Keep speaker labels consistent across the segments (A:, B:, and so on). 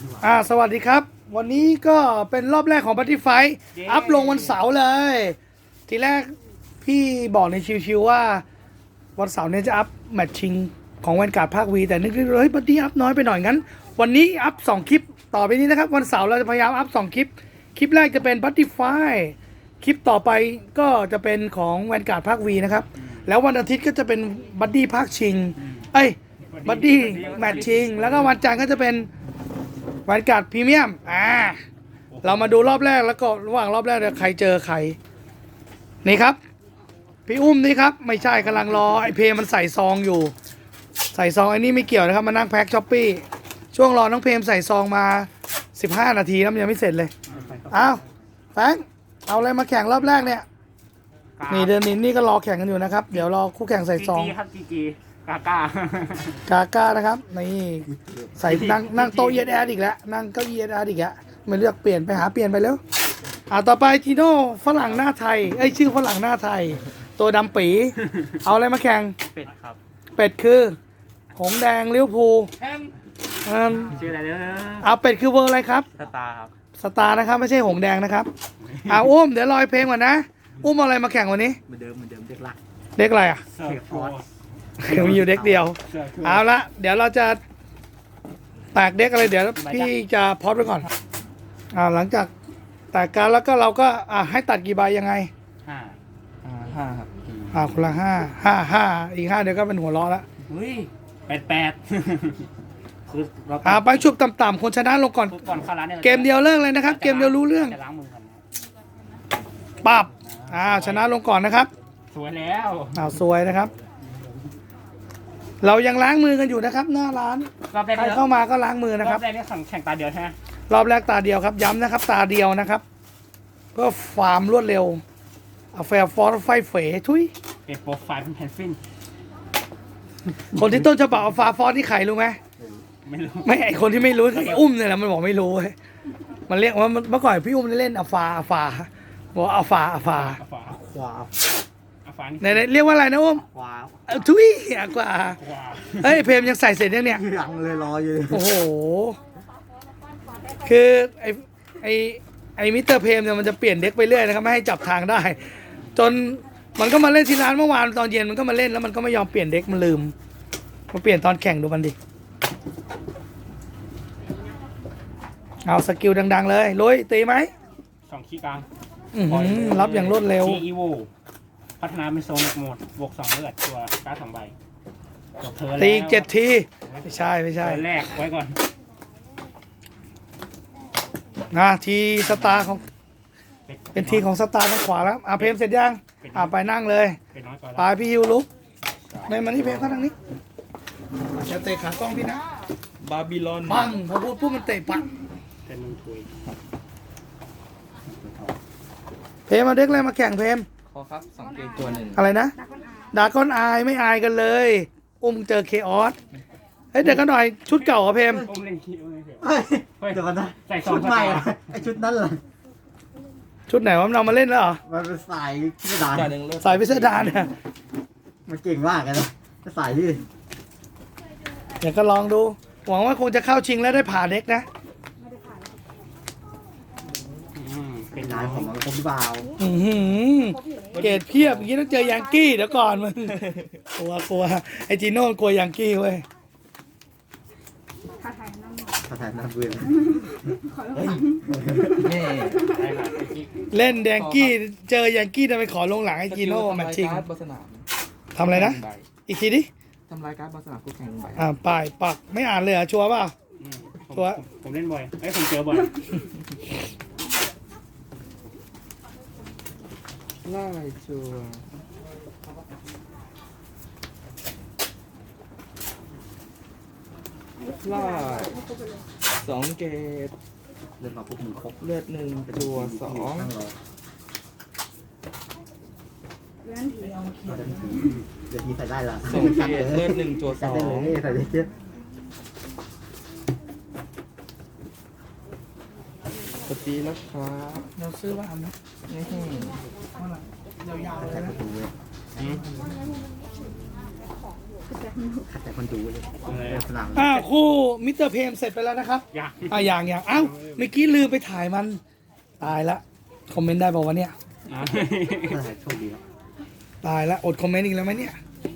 A: สวัสดีครับวันนี้ก็เป็นรอบแรกของ Battlefight อัพลงวันเสาร์เลย ทีแรกพี่บอกในชิวๆว่าวันเสาร์นี้จะอัพแมตช์ชิงของแวนการ์ดภาควีแต่นึกว่าเฮ้ยบัดดี้อัพน้อยไปหน่อยงั้นวันนี้อัพ2คลิปต่อไปนี้นะครับวันเสาร์เราจะพยายามอัพ2คลิปคลิปแรกจะเป็น Battlefight คลิปต่อไปก็จะเป็นของแวนการ์ดภาควีนะครับแล้ววันอาทิตย์ก็จะเป็นบัดดี้ภาคชิงบัดดี้แมตช์ชิงแล้วก็วันจันทร์ก็จะเป็นแวนการ์ดพรีเมียมเรามาดูรอบแรกแล้วก็ระหว่างรอบแรกใครเจอใครนี่ครับพี่อุ้มนี่ครับไม่ใช่กำลังรอไอเพมมันใส่ซองอยู่ใส่ซองไอ้นี่ไม่เกี่ยวนะครับมานั่งแพ็คช้อปปี้ช่วงรอน้องเพมใส่ซองมา15 นาทีแล้วมันยังไม่เสร็จเลยอ้าวแฟงเอาอะไรมาแข่งรอบแรกเนี่ยนี่เดือนนี้นี่ก็รอแข่งกันอยู่นะครับเดี๋ยวรอคู่แข่งใส่ซอง
B: ครับจีกา
A: ก้านะครับนี่ใส่นั่งโต๊ะเอสอีกแล้วนั่งเก้าอี้เอสอีกแล้วไม่เลือกเปลี่ยนไปหาเปลี่ยนไปแล้วต่อไปทีโน่ฝรั่งหน้าไทยชื่อฝรั่งหน้าไทยตัวดำปีเอาอะไรมาแข่ง
B: เป็ดครับ
A: เป็ดคือหงแดงลิเวอร์พูล
B: ชื่ออะไรเนี่ย
A: เอาเป็ดคือเวอร์อะไรครับ
B: สตาร์ครับ
A: สตาร์นะครับไม่ใช่หงแดงนะครับอุ้มเดี๋ยวลอยเพลงก่อนนะอุ้มเอาอะไรมาแข่งวันนี้
B: เหมือนเดิมเด็กหลัก
A: เด็กอะไรอ่ะมีอยู่เด็กเดียวเอาละเดี๋ยวเราจะแตกเด็กอะไรเดี๋ยวพี่จะพอดไว้ก่อนหลังจากแตกการแล้วก็เราก็ให้ตัดกี่ใบยังไง
B: ห้าครับ
A: คนละห้าอีก5เดี๋ยวก็เป็นหัวล้อแล้ว
B: เฮ้ยแปดคือ
A: ไปชุบต่ำๆคนชนะลงก่อน
B: เข้าร้านเนี่ย
A: เกมเดียวเลิกเลยนะครับเกมเดียวรู้เรื่อง
B: จะล้างมือก่อน
A: ปับชนะลงก่อนนะครับ
B: สวยแล้ว
A: สวยนะครับเรายังล้างมือกันอยู่นะครับหน้าร้านใครเข้ามาก็ล้างมือนะครับ
B: รอบแรกนี่แข่งตาเดียวใช่ไหม
A: รอบแรกตาเดียวครับย้ำนะครับตาเดียวนะครับเพื่อความรวดเร็วแฟร์ฟอร์ไฟเฟ๋ทุย
B: เป็นโปรไฟล์เป็นแพนฟิน
A: คนที่ต้นฉบับฟาฟอร์ที่ไข่รู้ไหม
B: ไม่รู้
A: ไม่ไอคนที่ไม่รู้ไออุ้มเนี่ยแหละมันบอกไม่รู้มันเรียกว่าเมื่อก่อนพี่อุ้มเล่นฟาบอกฟาไหนเรียกว่าอะไรนะอุ้มทุยกว่าเพมยังใส่เสร็จยังเนี่ย
C: ยังเลยรออยู่
A: โอ้โหคือไอมิสเตอร์เพมเนี่ยมันจะเปลี่ยนเด็กไปเรื่อยนะครับไม่ให้จับทางได้จนมันก็มาเล่นที่ร้านเมื่อวานตอนเย็นมันก็มาเล่นแล้วมันก็ไม่ยอมเปลี่ยนเด็กมันลืมมาเปลี่ยนตอนแข่งดูมันดิเอาสกิลดังๆเลยลุยตีไหม
B: 2ขี้กลาง
A: รับอย่างรวดเร็ว
B: อีโวพัฒนาเป็นโซนโหมดบวก2เลือดตัวการ์ด2ใบ
A: ตี7 ทีไม่ใช่
B: แรกไว้ก่อน
A: ทีสตาร์ของเป็นทีของสตาร์ทางขวาแล้วเพมเสร็จยังไปนั่งเลยไปพี่ฮิวลุกในมันนี่เพมเข้าทางนี้จะเตะขากล้องพี่นะ
C: บาบิลอน
A: ปังพอพูดมันเตะปัง
B: เป็นถุย
A: เพมมาเด็กอะไรมาแข่งเพม
C: ขอครับ2เกมตัวหนึ่ง
A: อะไรนะดาก้อนอายไม่อายกันเลยอุ้มเจอเคออสเดี๋ยวกันหน่อยชุดเก่าเหรอเพม
C: เดี๋ยวกันนะชุดใหม่ไอชุดนั้นเหรอ
A: ชุดไหนวะมันเอามาเล่นแล้วเหรอ
C: มันเป็นสายพิสดาร
A: สายพิสดารเนี่ย
C: มันเก่งมากเลยนะจะสายที่
A: เดี๋ยวก็ลองดูหวังว่าคงจะเข้าชิงแล้วได้ผ่าเด็กนะ
C: เป็นนายของมันคมบ่าว
A: เกรดเพียบอย่างนี้ต้องเจอยังกี้เดี๋ยวก่อนมึงกลัวไอจีโน่กลัวยังกี้เว้ย
C: ถ่ายน้ำเบื่อ
A: เล่นแดงกี้เจอยังกี้จะไปขอลงหลังไอจีโน่แมตชิงทำอะไรนะอีกทีดิ
C: ทำลายการ์ดบนสนามคู่แข่งใบ
A: ป้ายปักไม่อ่านเลยเหรอชัวร์เปล่าชัวร์
B: ผมเล่นบ่อยผมเจอบ่อย
C: ไล่ชัวไล่2 เกตเลือดมาปุ๊บมือครบเลือด1ตัว2เดี๋ยวทีใส่ได้ละ
A: 2 เกตเลือด1ตัว2
C: ใส่ได้เยอะปกติแล้วครับ
A: เราซื้อว่าไหมยาวๆเลยนะ
D: ขัดแต่คนดูเลยสนาม
A: คู่มิสเตอร์เพมเสร็จไปแล้วนะครับ
B: อยาก
A: อย่างเอ้าเมื่อกี้ลืมไปถ่ายมันตายละคอมเมนต์ได้บอกว่าวะเนี่ย
D: โชคดีครับ
A: ตายละอดคอมเมนต์อีกแล้วไหมเนี่ย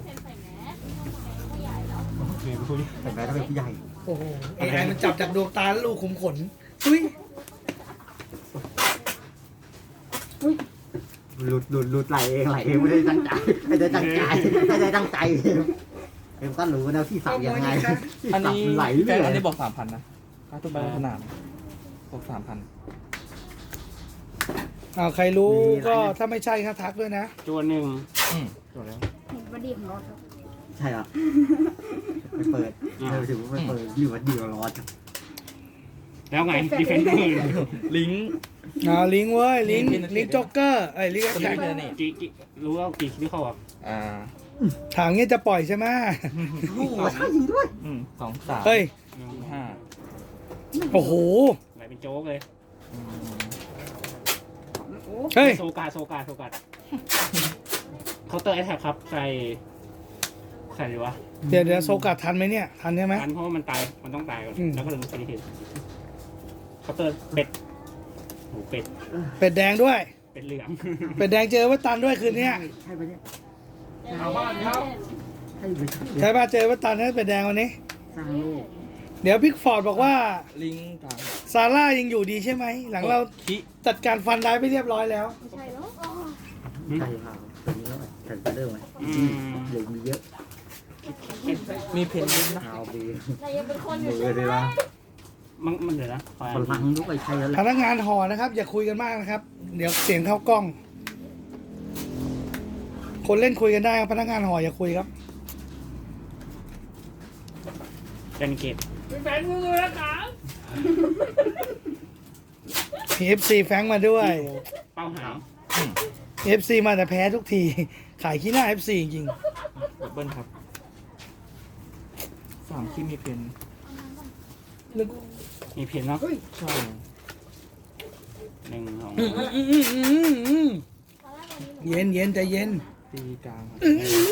D: แต่แม้ถ้าเป็นผู้ใหญ่
A: โอ้โหAI มันจับจากดวงตาแล้วลูกขุมขนอุ้ย
D: หลุดไหลเองไม่ได้ตั้งใจไม่ได้ตั้งใจเอ็มก็รู้นะที่สับยังไง
C: อันนี้
D: ไหล
C: แฟ
D: เรื่
C: น
D: อย
C: อันนี้บอก3,000นะค่าทุบใบสนามบอก3,000
A: ใครรู้ก็ถ้าไม่ใช่ก็ทักด้วยนะ
B: ตัวหนึ่ง
C: จบแล้ว
E: เห็นวันดีของเราครับ
D: ใช่ครับไปเปิดถือว่าไปเปิดอยู่วันเดียวร้อน
B: แล้วไงดีเฟนเดอร์
C: ลิงก์
A: ลิงก์เว้ยลิงก์จ็อกเกอร์ลิงก์
C: ตัว
A: แท็ก
C: นี้เป็นนี่
B: กี่รู้ว่ากี่คิดเข้าอ่ะ
A: ถามเงี้ยจะปล่อยใช่ไหม
D: โอ้โหใช่จริงด้วย
C: 2 3
A: เฮ้ย
C: 5
A: โอ้โห
B: ไหลเป็นโจ๊กเลย
A: เฮ้ย
B: โซกาเคาน์เตอร์แอทแทกครับใส่ดีวะ
A: เดี๋ยวโซกัดทันไหมเนี่ยทันใช่ไหม
B: ทันเพราะว่ามันตายมันต้องตายก่อน
A: อืม
B: แล้วก็เลยมีทีเคาน์เตอร์เป็ดโหเป็ด
A: เป็ดแดงด้วย
B: เป็ดเหลือง
A: เป็ดแดงเจอวัตตันด้วยคืนนี้
D: ใช่ปะเนี่ย
B: เอาบ้านครับ
D: ใช่ไหม
A: ใช่ป่ะเจอวัตตันนะเป็ดแดงวันนี้
D: สร้างโลก
A: เดี๋ยวพิกฟอร์ดบอกว่า
C: ลิงก์กลาง
A: ซาร่ายังอยู่ดีใช่ไหมหลังเรา
C: คิ
A: จัดการฟันได้ไปเรียบร้อยแล้ว
E: ไม่ใช่แล้ว
D: ใช่ครับตัวนี้แล้วแข่งไปเริ่มไหมเหลือมีเยอะ
C: มีเพนลิงก์นะ
D: เอาไป
E: นายยังเป็นคนอ
D: มื
E: ยู่
D: อเลยว่า
B: มันเดี๋ยวนะคอย
D: พลังลูกไอ้ใช่แล้วแห
A: พ
D: ละ
A: นักงานหอนะครับ อย่าคุยกันมากนะครับ เดี๋ยวเสียงเข้ากล้อง คนเล่นคุยกันได้ครับพนักงานหออย่าคุยครับ
B: เดนเกต
A: มี FC แฟงมาด้วย
B: เป้าหาง
A: FC มาแต่แพ้ทุกที ขายขี้หน้า FC จริง
C: ดับเบิลครับ3ที่มีเพน
B: มีเพนเนาะ
C: ใช่
B: หนึ่งสอง
A: เย็นเย็นใจเย็น
C: ตีกลางครับ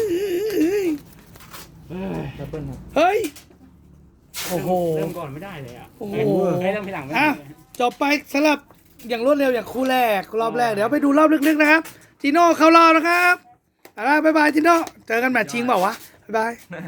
B: เอ้ย
C: ดับเบิลครับ
A: เฮ้ย โอ้โห
B: เริ่มก่อนไม่ได้เลยอ่ะ
A: โอ้โห
B: ให้เริ่มทีหลังไม่ได้
A: อ่ะ จบไปสำหรับอย่างรวดเร็วอย่างคู่แรก รอบแรกเดี๋ยวไปดูรอบลึกๆนะครับจีโน่เข้ารอบนะครับบ๊ายบายจีโน่เจอกันแมตช์ชิงเปล่าวะบ๊ายบาย